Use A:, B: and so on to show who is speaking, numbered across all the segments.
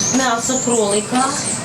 A: м'ясо кролика,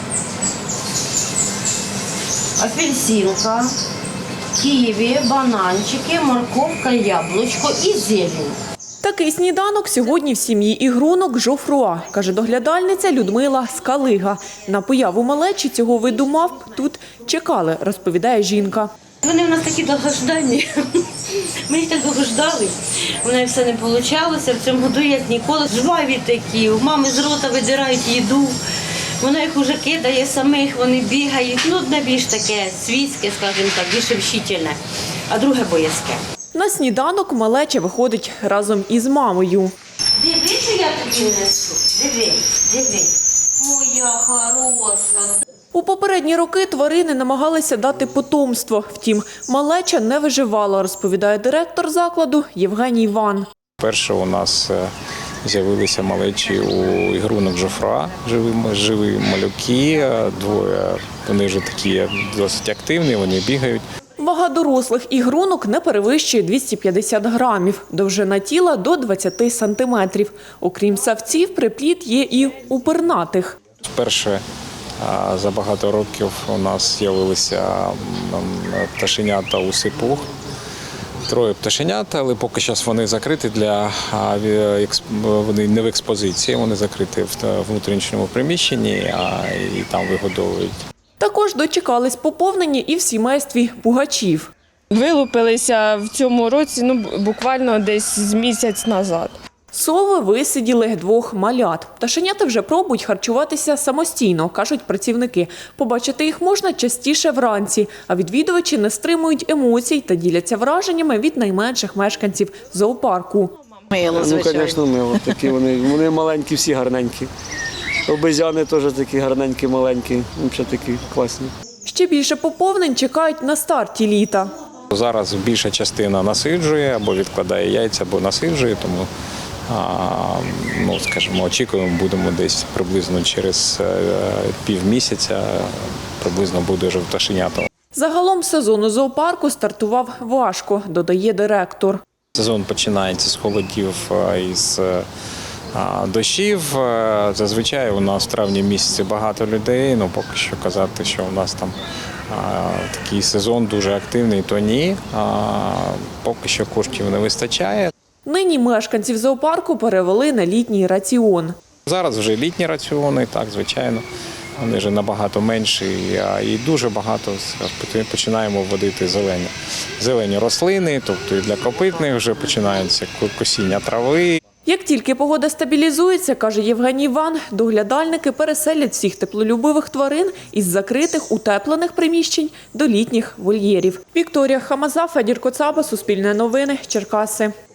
A: апельсинка, ківі, бананчики, морковка, яблучко і зелень.
B: Такий сніданок сьогодні в сім'ї Ігрунок Жофруа, каже доглядальниця Людмила Скалига. На появу малечі цього виду мавп тут чекали, розповідає жінка.
A: Вони в нас такі довгожданні. Ми їх так довго ждали. У неї все не вийшло. В цьому году, як ніколи, жваві такі. У мами з рота видирають їду. Вона їх уже кидає самих, вони бігають. Ну, одне більш таке свійське, скажімо так, більш общительне, а друге боязке.
B: На сніданок малеча виходить разом із мамою.
A: Диви, що я тобі несу. Диви. Моя хороша.
B: У попередні роки тварини намагалися дати потомство. Втім, малеча не виживала, розповідає директор закладу Євгеній Ван.
C: Перше у нас з'явилися малечі у Ігрунок Жофруа, живі малюки, двоє, вони вже такі досить активні, вони бігають.
B: Вага дорослих ігрунок не перевищує 250 грамів, довжина тіла – до 20 сантиметрів. Окрім савців, приплід є і у пернатих.
C: Вперше за багато років у нас з'явилися пташенята у сипух. 3 пташенят, але поки що вони закриті вони не в експозиції, вони закриті в внутрішньому приміщенні і там вигодовують.
B: Також дочекались поповнення і в сімействі пугачів.
D: Вилупилися в цьому році, буквально десь з місяць назад.
B: Сови висиділи 2 малят. Пташенята вже пробують харчуватися самостійно, кажуть працівники. Побачити їх можна частіше вранці, а відвідувачі не стримують емоцій та діляться враженнями від найменших мешканців зоопарку.
E: Ну, звісно, мило. Такі вони маленькі, всі гарненькі. Обезьяни теж такі гарненькі, маленькі, взагалі такі класні.
B: Ще більше поповнень чекають на старті літа.
C: Зараз більша частина насиджує або відкладає яйця, або насиджує, тому очікуємо, будемо десь приблизно через півмісяця, приблизно буде вже пташенята.
B: Загалом сезон у зоопарку стартував важко, додає директор.
C: Сезон починається з холодів і з дощів. Зазвичай у нас в травні місяці багато людей, поки що казати, що у нас там такий сезон дуже активний, то ні. Поки що коштів не вистачає.
B: Нині мешканців зоопарку перевели на літній раціон.
C: Зараз вже літні раціони, так, звичайно. Вони вже набагато менші і дуже багато починаємо вводити зелені рослини, тобто і для копитних вже починається косіння трави.
B: Як тільки погода стабілізується, каже Євгеній Ван, доглядальники переселять всіх теплолюбивих тварин із закритих утеплених приміщень до літніх вольєрів. Вікторія Хамаза, Федір Коцаба, Суспільне новини, Черкаси.